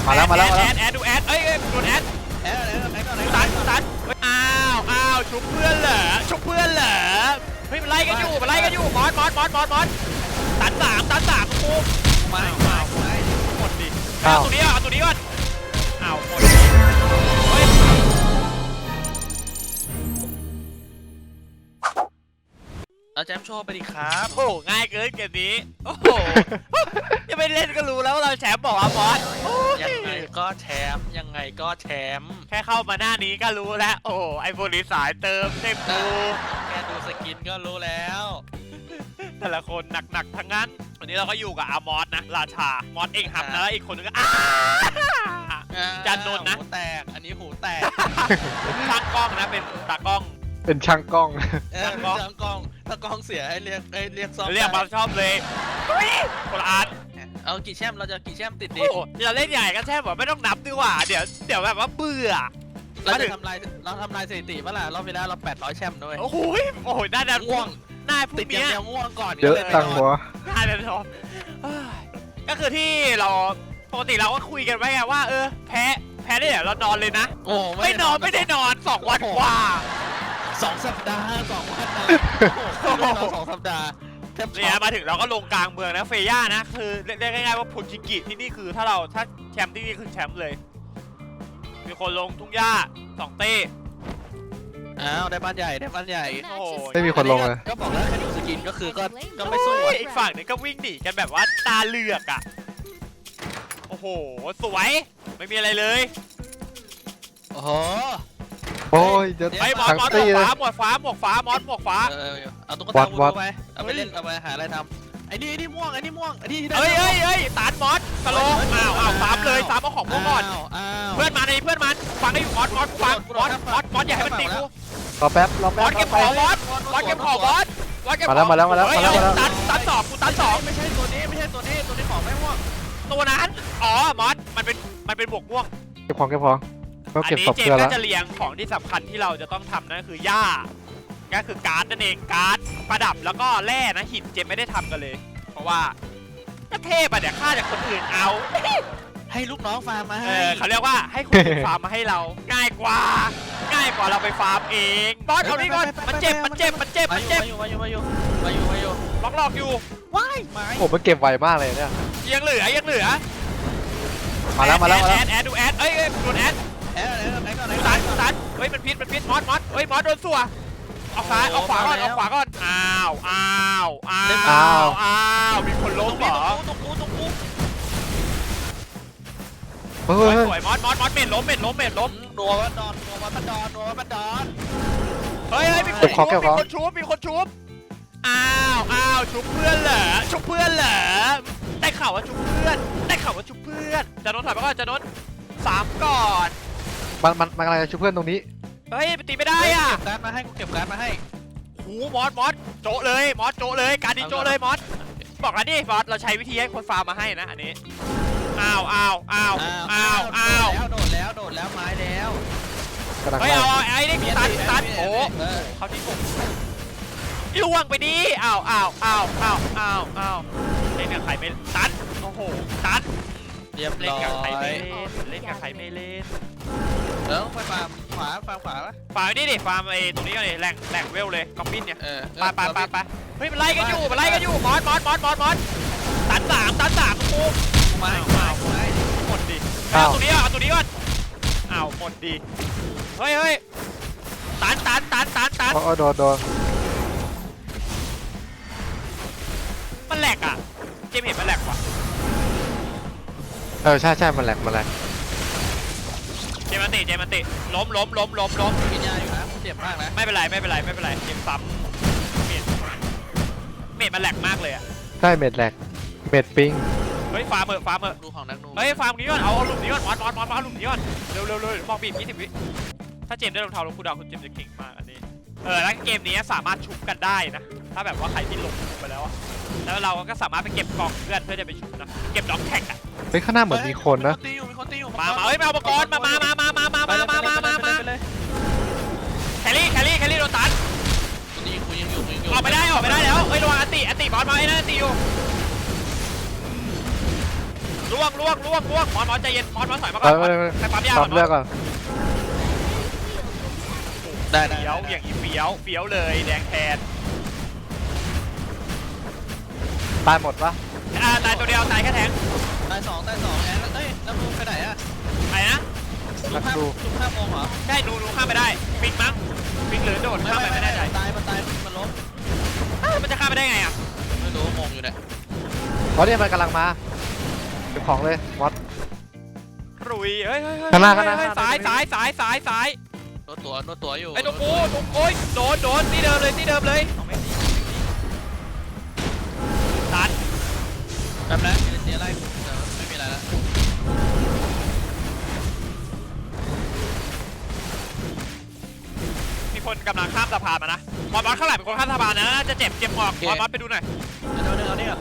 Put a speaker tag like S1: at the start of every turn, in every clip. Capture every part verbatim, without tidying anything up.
S1: มาแล้วมาแล้วมาแล้ว
S2: แอดแอดดูแอดเอ้ยโดนแอด
S3: แอดแอดแอดอะไร
S2: ตันตันอ้าวอ้าวชุบเพื่อนเหรอชุบเพื่อนเหรอเฮ้ยมันไล่กันอยู่มันไล่กันอยู่มอสมอสมอสมอสมอสตันสามตันสามกู
S3: มามามา
S2: หมดดิเอาตัวนี้เอาตัวนี้ก่อนอ้าวหมดเฮ้ย
S3: เอาแจมโชว์ไปดิครับ
S2: โอ้ง่ายเกินเกมนี้โอ้โหยังไม่เล่นก็รู้แล้วว่าเราแชมป์บอกว่าบอส
S3: ยังไงก็แชมป์ยังไงก็แชมป์
S2: แค่เข้ามาหน้านี้ก็รู้แล้วโอ้ไอโฟนสายเติมเต็มปู
S3: แค่ดูสกินก็รู้แล้ว
S2: แต่ละคนหนักๆทั้งนั้นวันนี้เราก็อยู่กับอามอสนะราชามอสเองหับนะแล้วอีกคนนึงก็อ้าจันนนท์นะ
S3: หูแตกอันนี้หูแตก
S2: ช่างกล้องนะเป็นตากล้อง
S1: เป็นช่างกล้อง
S3: เออตากล้องตากล้องเสียให้เรียกให้เรียกซ่อม
S2: เรียกมาชอบเลยคนละอัน
S3: เอากี่แชมป์เราจะกี่แชมป์ติดดิ
S2: โอ้เราเล่นใหญ่ก็แช่แบบไม่ต้องนับดีกว่าเดี๋ยวเดี๋ยวแบบว่าเบื่อ
S3: เราจะทำลายเราทำลายสถิติเมื่อไหร่รอบเวลาเราแปดร้อยแชมป์ด้วย
S2: โอ้โหโอ้โหน่าจะ
S3: ง่วง
S2: น่าพว
S3: ติด
S2: ก
S3: อย่าง
S2: เนี้ย
S3: เดียวง่วงก่อน
S1: เยอะตังหัว
S2: น่าจะชอบก็คือที่เราปกติเราก็คุยกันไว้ไงว่าเออแพ้แพ้ได้เดี๋ยวเรานอนเลยนะ
S3: โอ้
S2: ไม่นอนไม่ได้นอนสองวันกว่า
S3: สองสัปดาห์สองวันนะสองสัปดาห์แทบ
S2: เนี่ยมาถึงเราก็ลงกลางเมืองนะเฟย่านะคือเรียกง่ายๆว่าพุนชิกิที่นี่คือถ้าเราถ้าแชมป์ที่นี่คือแชมป์เลยมีคนลงทุ่งหญ้าสองเต้
S3: อ้าวได้บ้านใหญ่ได้บ้านใหญ่
S2: โอ้โห
S1: ไม่มีคนลงเลย
S3: ก็บอกแล้วแค่ดูสกินก็คือก็ก็ไม่สู้
S2: โอ้ยอีกฝั่งนึงก็วิ่งหนีกันแบบว่าตาเหลือกอ่ะโอ้โหสวยไม่มีอะไรเลย
S3: โอ้โห
S1: โอ้ยจะ
S2: ไอ้ยมอส
S1: ทั้ง
S2: มอสหม
S1: ตี
S2: วก
S1: เลย
S2: ฟ้าหมวกฟ้าหมวกฟ้ามอสหมวกฟ้า
S3: เออเอาตุ๊กตาบูไปเอาไปเล่นเอาไปหาอะไรทำไอ้นี่ไอ้นี่ม่วงไอ้นี่ม่วงไอ้นี่ที่ได้
S2: เฮ้ยเฮ้ยเฮ้ยตานมอสสโลว์อ้าวอ้าวสามเลยสามเอาของพวกก่อน
S3: อ้าว
S2: เพื่อนมาในเพื่อนมันฟังได้อยู่มอสมอสฟังมอสมอสมอสอย่าให้มันตีกู
S1: รอแป๊บรอ
S2: ม
S1: แป๊
S2: อบ สเก็บของมอสมอสเก็บของมอสมอสเก็บของ
S1: มาแล้วมาแล้วมาแล้ว
S2: เฮ้ย
S1: มาแล้ว
S2: ตันตันสองกูตันสอง
S3: ไม่ใช่ตัวนี้ไม่ใช่ตัวนี้ตัวนี้ของไม่ม่วง
S2: ตัวนั้นอ๋อมอสมันเป็นมันเป็นบวกม่วง
S1: เก็บของเก็บของก็
S2: อัน
S1: เก็บ
S2: นี้
S1: ศพ
S2: เจม
S1: เพื่อน
S2: ส์ก็
S1: แล้ว
S2: จะเรียงของที่สำคัญที่เราจะต้องทำนั่นคือหญ้าก็คือการ์ดนั่นเองการ์ดประดับแล้วก็แร่นะหินเจมไม่ได้ทำกันเลย เพราะว่าก็เทพอะเดี๋ยวฆ่าจากคนอื่นเอา
S3: ให้ลูกน้องฟาร์มมา
S2: เอ
S3: ให้
S2: อเขาเรียกว่าให้คนอื่นฟาร์มมาให้เรา ง่ายกว่า ง่ายกว่าเราไปฟาร์มเองบอสเอานี่ก่อนมันเจ็บมันเจ็บมันเจ็บ
S3: มา
S2: มัน
S3: อยู่
S2: เจ็บ
S3: มาอยู่มาอยู่มาอยู่มาอยู่
S2: ล็อกหลอกอยู่
S3: ว้ายไม้
S1: ผมมันเก็บไวมากเลยเนี่ย
S2: ยังเหลือยังเหลือ
S1: มาแล้วมาแล้วมา
S2: แอ
S1: แล้ว
S2: ดแอดดูแอดเอ้ยโดนแอด
S3: แอะไหนก่อนไหน
S2: ดู
S3: ก่
S2: ตั
S3: อน
S2: นดูตันเฮ้ยมันพิษมันพิษมอสมอสเฮ้ยมอสโดนสัวเอาซ้ายเอาขวาก่อนเอาขวาก่อนอ้าวอ้าวอ้าวอ้าวมีคนล้มเหรอ
S3: ตรงกูตรงกู
S1: เฮ้
S2: สวย
S1: ย
S2: สวยมอสมอสมอสเม็ดล้มเม็ดล้มเม็ดล้ม
S3: นัววัดดอนนัววัดบันดอนนัววัดบันดอน
S2: เฮ้ยมีคนชุบมีคนชุบมีคนชุบอ้าวอ้าวชุบเพื่อนเหรอชุบเพื่อนเหรอได้ข่าวว่าชุบเพื่อนได้ข่าวว่าชุบเพื่อนจะนนท์ถอยไปก่อนจะนนท์สามก่อน
S1: มันมันมันอะไรจะช่วยเพื่อนตรงนี้
S2: เฮ้ยไปตีไม่ได้อ่ะ
S3: เก็บการ์ดมาให้กูเก็บการ์ดมาให้
S2: หูมอสมอสโจะเลยมอสโจะเลยการดิโจะเลยมอสบอกแล้วนี่มอสเราใช้วิธีให้คนฟาร์มมาให้นะอันนี้อ้าวอ้าวอ้าวอ้าวอ้าว
S3: แล้วโดดแล้วโดดแล้วไม้แล้ว
S1: กำลัง
S2: เฮ้ย
S1: ไล่
S2: เอาไอ้นี่ตันตันโอ้เขาที่ผมล่วงไปดิอ้าวอ้าวอ้าวอ้าวอ้าวอ้าวเล่นกับใครไม่ตันโอ้โหตัน
S3: เรียบ
S2: เล่น
S3: ร้อ
S2: กับใครไม่
S3: ย
S2: เล่นเล่นกับใครไม่เล่น
S3: แล้วไปฟาร์มขวาฟาร์มขวาปะ
S2: ฟาร์มนี่ดิฟาร์มไอ้ตรงนี้เลยแหล่งแหล่งเวลเลยกอมบินเนี่ย
S3: เออ
S2: ไปไปไปไปเฮ้ยมันไล่กันอยู่มันไล่กันอยู่มอสมอสมอสมอสมอสตันสามตันสามกู
S3: ไม้ไม้ไม้
S2: หมดดิเอาตัวนี้ก่อนเอาตัวนี้ก่อนอ้าวหมดดิเฮ้ยเฮ้ยตันตันตันตันตัน
S1: โอ้โดนโดน
S2: มันแหลกอ่ะเจมเห็นมันแหลกว่ะ
S1: เออใช่ใช่มันแหลกมันแหลก
S2: เจมมันติเจมมันติล้มล้มล้มล้มล้ม
S3: กินยาอยู่นะเจ็บมากนะ
S2: ไม่เป็นไรไม่เป็นไรไม่เป็นไรเจมซ้ำเมดเมดมันแหลกมากเลยอ่ะ
S1: ใช่เม็ดแหลกเม็ดปิง
S2: เฮ้ยฟาร์มเออฟาร์มเออ
S3: ดูของนักนู
S2: เฮ้ยฟาร์มนี้ก่อนเอาเอาหลุมนี้ก่อนมอสมอสมอสเอาหลุมนี้ก่อนเร็วเร็วเร็วมองบีบยี่สิบวิถ้าเจมได้รองเท้าลงคูดาวคุณเจมจะเก่งมากอันนี้เออแล้วเกมนี้สามารถชุบกันได้นะถ้าแบบว่าใครที่ลงไปแล้วอะแล้วเราก็สามารถไปเก็บกล่องเพื่อนเพื่อจะไปชุบนะเก็บด็อกแท็กอะ
S1: เฮ้ยข้างหน้าเหมือนมีคนนะ
S3: ตีอยู่มีคนตีอยู่
S2: มามาเฮ้ยมาอุปกรณ์มามามามามามามามามามามาแครี่แครี่แครี่โดนตัน
S3: นี่กูยังอยู่ยังอยู่
S2: ออกไปได้ออกไปได้แล้วเฮ้ยระวังอันติอันติบอสมาไอ้นั่นอันติอยู่ล่วงล่วงล่วงล่วงมอนมอนใจเย็นมอนมอนถอยมา
S1: ไป
S2: ก่อน
S1: ไปไป
S2: ใครปั๊มยา
S1: ต
S2: ก่
S1: อ
S2: อน
S1: บเลือกก่อน
S3: ได้ได้
S2: เฟี้ยวอย่างนี้เฟี้ยวเฟี้ยวเลยแดงแทน
S1: ตายหมดปะ
S2: อ่าตายตัวเดียวตายแค่แทง
S3: ตายสองตายสองแอนเอ้ยแล้วมึงไปไหนอะ
S2: ไอ้นะ
S3: ลุกห้าลุกห้าโมงเหรอ
S2: ใช่หนูหนูข้ามไปได้ปิงมั้งปิงหรือโดดข้ามไปไม่แน่ใจ
S3: ตายมันตายมันล้ม
S2: อ้าวมันจะข้ามไปได้ไงอ่ะ
S3: ไม่รู้งงอยู่เนี่ย
S1: เพราะเนี่ยมันกำลังมาเก็บของเลยมอส
S2: รุยเฮ้ยเฮ้ยเฮ้ย
S1: ข้างหน้าข้างหน้า
S2: เฮ้ย
S1: ข้างหน้า
S2: สายสายสายสายสาย
S3: นวดตัวนวดตัวอยู่
S2: ไอ้ตรงกูตรงโอ้ยโดนโดนที่เดิมเลยที่เดิมเลยเอาไม่ดีตัน
S3: แป๊บนะมีอะไรเดี๋ยวไม่มีอะไรแล้ว
S2: มีคนกำลังข้ามสะพานมานะมอสมอสข้างหลังเป็นคนข้ามสะพานนะจะเจ็บเจ็บออกมอสมอสไปดูหน่อย
S3: เดี๋ยวเดี๋ยวเอาเนี่ย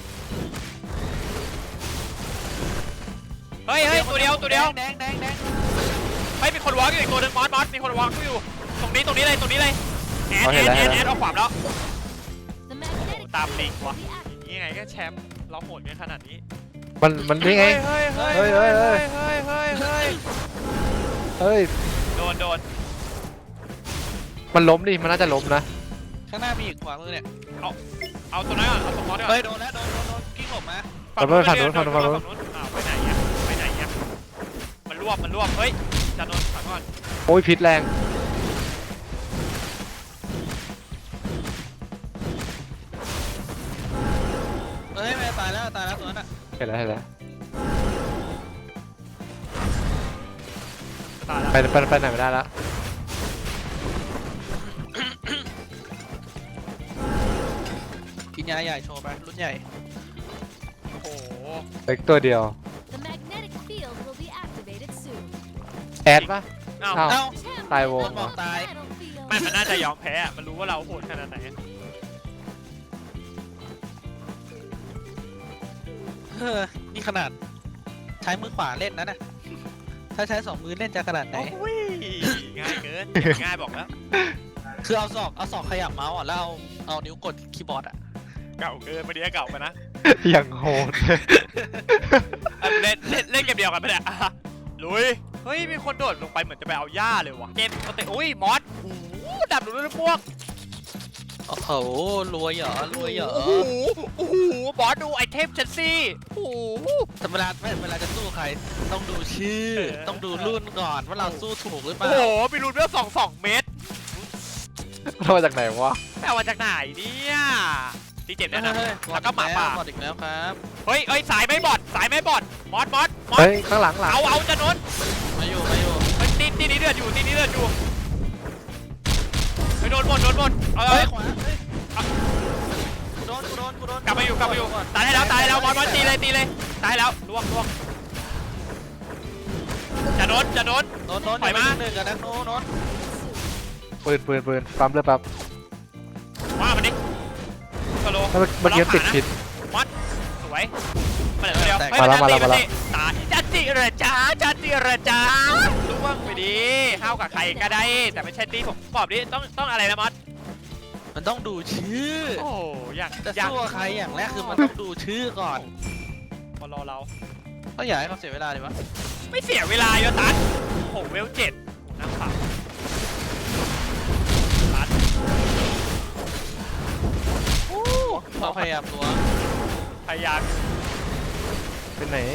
S2: เฮ้ยเฮ้ยตัวเดียวตัวเดียว
S3: แดงแดงแดง
S2: เฮ้ยมีคนวอล์กอยู่อีกตัวหนึงมอสมอสมีคนวอล์กอยู่ตรงนี้ตรงนี้เลยตรงนี้เลยแอนแอนแอนแอนเอาขวามแล้ว
S4: The magnetic
S2: ตามลิง
S4: field
S2: วะ
S4: will be activated.
S2: นี่ไงก็แชมป์เราโหดกันขนาดนี้
S1: มันมันนี่ไง
S2: เฮ้ยเฮ้ย
S1: เฮ้
S2: เฮ้
S1: ย
S2: ย
S1: เฮ้
S2: เฮ้
S1: ย
S2: ย
S1: เฮ้
S2: เฮ้
S1: ย
S2: ยเฮ้ยเฮ้ย
S1: เฮ้ย
S2: โดนโดน
S1: มันล้มดิมันน่าจะล้มนะ
S3: ข้างหน้ามีอีกขวามือเนี่ย
S2: เอาตัวนั้นก่อนเอาตัวมอสก่อน
S3: เฮ้ยโดนแล้วโดนโดนโดนกิ้งหลบมา
S2: ฝั่งนู้นฝั่งนู้นฝั่งนู้นฝั่งนู้นอ้าวไปไหนอ่ะไปไหนอ่ะมันรวบมันรวบเฮ้ยจะโดนฝั่งก่อน
S1: โอ้ยพิษแรง
S3: เฮ้ยไม่ตายแล้วตายแล้วตัวนั้นอะ
S1: เห็นแล้วเห็นแล้ว
S2: ตายแล้ว
S1: ไปไปไปไหนไม่ได้แล้ว
S3: กินยาใหญ่โชว์ไปรุ่นใหญ่
S2: โอ้โห
S1: เล็กตัวเดียว
S4: The magnetic field will be activated soon.
S1: แอดปะ
S2: อ้าว
S1: อ้าว
S3: เอ้า
S4: Champion
S1: ตายวง
S4: of the
S3: บอกตาย
S4: battlefield.
S2: ไม่มันน่าจะยอมแพ้อะมันรู้ว่าเราโหดขนาดไหน
S3: เฮ้อนี่ขนาดใช้มือขวาเล่นนะน่ะถ้าใช้สองมือเล่นจะขนาดไหน
S2: โอ้ยง่ายเกินง่ายบอกแล้ว
S3: คือเอาศอกเอาศอกขยับเมาส์อ่ะแล้วเอาเอานิ้วกดคีย์บอร์ดอ่ะ
S2: เก่าเกินไม่ได้เก่าไปนะ
S1: อย่างโหด
S2: อ่ะเล่นเล่นเล่นเกมเดียวกันไปเนี่ยอ่ะลุยเฮ้ยมีคนโดดลงไปเหมือนจะไปเอาหญ้าเลยวะเกมปกติอุ้ยมอสโอ้โหดับดูด้วยพวก
S3: โอ้โหรวยเหรอรวยเหรอ
S2: โอ้โหโอ้โหบอสดูไอเทมฉันสิโอ้โห
S3: แต่เวลาเวลาจะสู้ใคร ต้องดูชื่อ
S2: เออ
S3: ต้องดูรุ่นก่อนว่าเราสู้ถูกหรือเป
S2: โอ้
S3: ล่า
S2: โหมีรูนเรื่องสองสองเมตร
S1: เรามาจากไหนวะ
S2: แปลว่าจากไหนเนี่ยตีเจ็บเนี่ยนะ
S3: เฮ้ย
S2: แล้วก็หมาป่า
S3: บอดอีกแล้วครับ
S2: เฮ้ยเฮ้ยสายไม่บอดสายไม่บอดมอสมอสมอส
S1: เฮ้ยข้างหลังหลัง
S2: เอาเอาจะนน
S3: มาอยู่มาอยู่
S2: เฮ้ยตีตีนี้เดือดอยู่ตีนี้เดือดอยู่ไปโดนหมดโดนหมดเอาเอา
S3: เฮ้ยขวาเฮ้ยกูโดนกูโดนกูโดน
S2: กลับมาอยู่กลับมาอยู่ตายได้แล้วตายได้แล้วมอสมอสตีเลยตีเลยตายแล้วล่วงล่วงจะโดนจะโดน
S3: โดนโดน
S2: ปล่อยมา
S3: หนึ่งกันนะโน้นโน้น
S1: ปืนปืนปืนปั๊มเลยปั๊บ
S2: ว่ามันดิสโล
S1: เมื่อเมื่อกี้ติดผิด
S2: มอสสวยมาเหลือตัวเดียว
S1: มาแล้วมาแล้วมาแล้ว
S2: ตายจันจิเหรอจ้าจันจิเหรอจ้าล่วงไปดิห้าวกับใครก็ได้ แต่ไม่ใช่ตีผมตอบดิต้องต้องอะไรนะมอส
S3: มันต้องดูชื่อ
S2: โอ้อยาก
S3: จะ
S2: อยาก
S3: สู้กับใครอย่างแรกคือมันต้องดูชื่อก่อน
S2: มารอเรา
S3: ก็อย่าให้เขาเสียเวลาดีวะ
S2: ไม่เสียเวลาโยตันโหเวลเจ็ดโหน้ำเปล่าตัน
S3: เขาพยายามตัว
S2: พยายาม
S1: เป็นไหน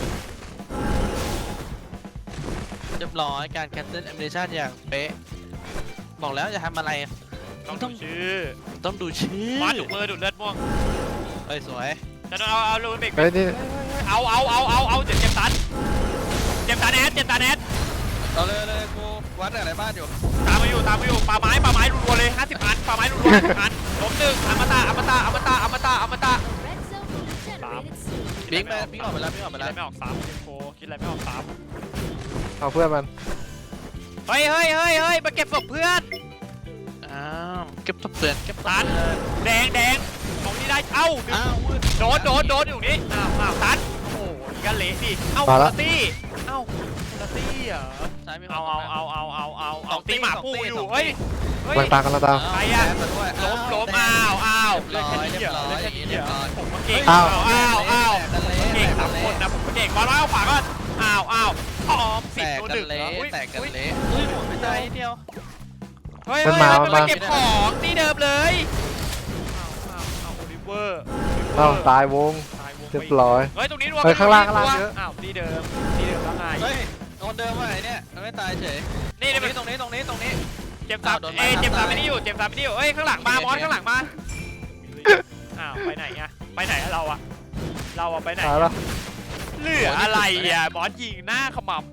S3: เรียบร้อยการ cancel animation อย่างเป๊ะบอกแล้วจะทำอะไร
S2: ต้องดูชื่อ
S3: ต้องดูชื่อ
S2: มาดูดมือดูดเลือดม่วง
S3: เฮ้ยสวย
S2: จะเอาเอาลูบิก
S1: เฮ้ยนี่
S2: เอาเอาเอาเอาเอาเจ็บเจ็บตันเจ็บตันแอดเจ็บตันแอด
S3: เอาเลยเลยกูวัดอะไรบ้านอยู่
S2: ตามมาอยู่ตามมาอยู่ปลาไม้ปลาไม้รัวๆเลยห้าสิบอันปลาไม้รัวๆห้าสิบอันล้มหนึ่งอมตะอมตะอมตะอมตะอมตะ
S4: The red zone will be generated soon.
S3: บิ๊กไปบิ๊กออกไปแล้วบิ๊กออก
S2: คิ
S3: ไป
S2: ดอะไร
S3: แล้ว
S2: ไม่ออกสามโฟคิดอะไรไม่ออกสาม
S1: เอาเพื่อนมัน
S2: เฮ้ยเฮ้ยเฮ้ยเฮ้ยมาเก็บศพเพื่อน
S3: อ้าวเก็บตัวเปลือนเก็บ
S2: ตันแดงแดงของที่ได้เอ้า
S3: อ้าววืด
S2: โดนโดนโดนอยู่นี่อ้าวอ้าวตันโอ้โหนี่ก็เละดิเอ้า
S1: มา
S2: คุ
S1: ละ
S2: ณตี้เอ้าคุณตี้เหรอ
S3: ซ้ายมีคน
S2: เอาเอาเอาเอาเอาเอาเอาตีหมาปูอยู่เฮ้ยเฮ้ย
S1: กำลังตามกำลังตาม
S2: ใครอะ
S3: มาด้วย
S2: ล้มล้ม
S3: แด
S2: อ้าง วอ้าว
S3: เรี
S2: เลื
S3: ย
S2: อบ ด
S3: ร้
S2: แค่
S3: อย
S2: นี้
S3: เรี
S2: เห
S3: ย
S2: ร
S3: บ
S2: อ
S3: ร้อย
S2: เลือดแค่นี้เหรอผมก็เก่ง
S3: อ้า
S2: อ้าว วอ้าวอ้าว
S3: แตกกันเละ
S2: เก่งสามคนนะผมก็เก่งบอลเอาขวาก่อนอ้าวอ้าวพร้อม
S3: แต
S2: สิบ
S3: ก
S2: ตัว
S3: กั
S2: ห
S3: น
S2: นึ่ง
S3: เละ
S2: อุ้ย
S3: แตกกัน
S2: อุ้ย
S3: เละอุ้ยหมดไปใจเดียว
S2: เฮ้ย
S1: มั
S2: เฮ้
S1: น
S2: ย
S1: มา
S2: มัน
S1: มา
S2: มาเก็บของที่เดิมเลยอ้าวอ้าวอ้าวโอลิเวอร์
S1: เอ้าตายวง
S2: ตายวง
S1: เรียบร้อย
S2: เฮ้ยตรงนี้รวม
S1: เฮ้ยข้างล่าง
S2: ตร
S1: ข้างล่างเยอะ
S2: อ้าวที่เดิมที่เดิมแล้วไง
S3: เฮ้ยคนเดิมว่าไอ้เนี่ยมันไม่ตายเฉย
S2: นี่
S3: ตร
S2: นี่
S3: ง
S2: มัน
S3: นี้ตรงนี้ตรงนี้ตรงนี้
S2: เจ็บสาม
S3: อ้าวโดน
S2: เอ้ย
S3: ไม้ทับ
S2: เจ็บสาม
S3: ตาย
S2: ไม่ได้อยู่เจ็บสามไม่ได้อยู่เอ้ยข้างหลังมามอสข้างหลังมาอ้าวไปไหนอะไปไหนอะเราอะเราอะไปไหน
S1: ตาย
S2: อะ
S1: แล้ว
S2: เหลืออะไรอะบอสยิงหน้าขมับ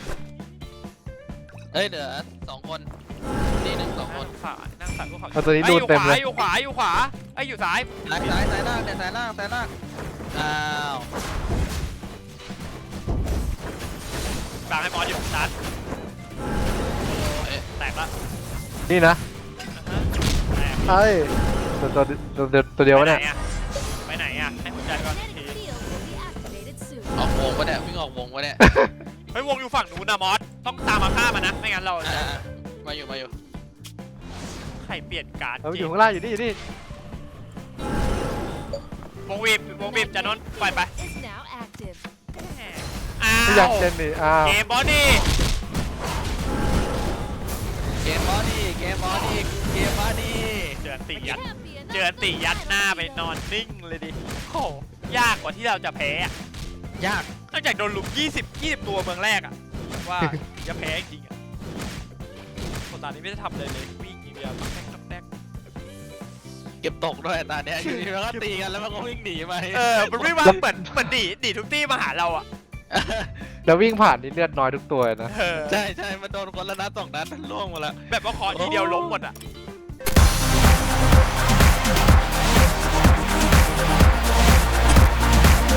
S3: เฮ้ยเหลือสองคนนี่หนึ่งสองคน
S2: นั่งสารนั่งสารพวกเขา
S1: เอาตัวนี้
S2: เอ้ย
S1: ดู
S2: อยู่
S1: เต็ม
S2: ขวา
S1: เลย
S2: อยู่ขวาอยู่ขวาไอ้ยอยู่ซ้าย
S3: ซ้ายซ้ายซ้ายล่างเนี่ยซ้ายล่างซ้ายล่างอ้าว
S2: กลางให้บอสอยู่ซัด
S3: เอ๊ะ
S2: แตกละ
S1: นี่นะ
S2: อ่าฮะแตก
S1: ไอ้ตัวตัวตัวตัวตัวเดียววะเนี่ย
S2: ไปไหนอะให้หัวใจก่อนอีก
S4: Magnetic
S2: ที
S4: field will be activated soon.
S3: ออกวงปะเนี่ยวิ่งออกวงปะเนี่ย
S2: เฮ้ยวงอยู่ฝั่งนู้นนะมอสต้องตามมาฆ่ามันนะไม่งั้นเรา
S3: อ่ามาอยู่มาอยู่
S2: ใครเปลี่ยนการ์ด
S1: เอา
S2: จ
S1: อ
S2: ริ
S1: ยู่
S2: ง
S1: ข้างล่างอยู่นี่อยู่นี่
S2: วงวีบวงวีบจะนนปล่อยไป
S4: Is now active.
S2: อ้า
S1: ไม่อยาก
S2: ว
S1: เล่นนี่อ้าว
S2: เกมบอดี้
S3: เกมบอดี้เกมบอดี้เกมบอดี้
S2: เจอตียัด
S4: Can't be enough
S2: เจอตียัดหน้าไปนอนนิ่งเลยดิโอ้ยากกว่าที่เราจะแพ้อะ
S3: ยาก
S2: นอกจากโดนลุมยี่สิบ ยี่สิบตัวเมืองแรกอะว่าจะแพ้จริงอะคนตอนนี้ไม่ได้ทำเลยเลยวิ่งอย่างเดียวต้องแดกต้องแดก
S3: เก็บตกด้วยตอนเนี้ยอยู่ดีมันก็ตีกันแล้วมันก็วิ่งหนีไป
S2: เออมันวิ่งมาเหมือนเหมือนหนีหนีทุกที่มาหาเราอะ
S1: แล้ววิ่งผ่านนี่เลือดน้อยทุกตัวนะ
S2: เออ
S3: ใช่ใช่มันโดนคนละนัดสองนัดมันล่วงหมดแล้ว
S2: แบบว่าขอทีเดียวล้มหมดอะ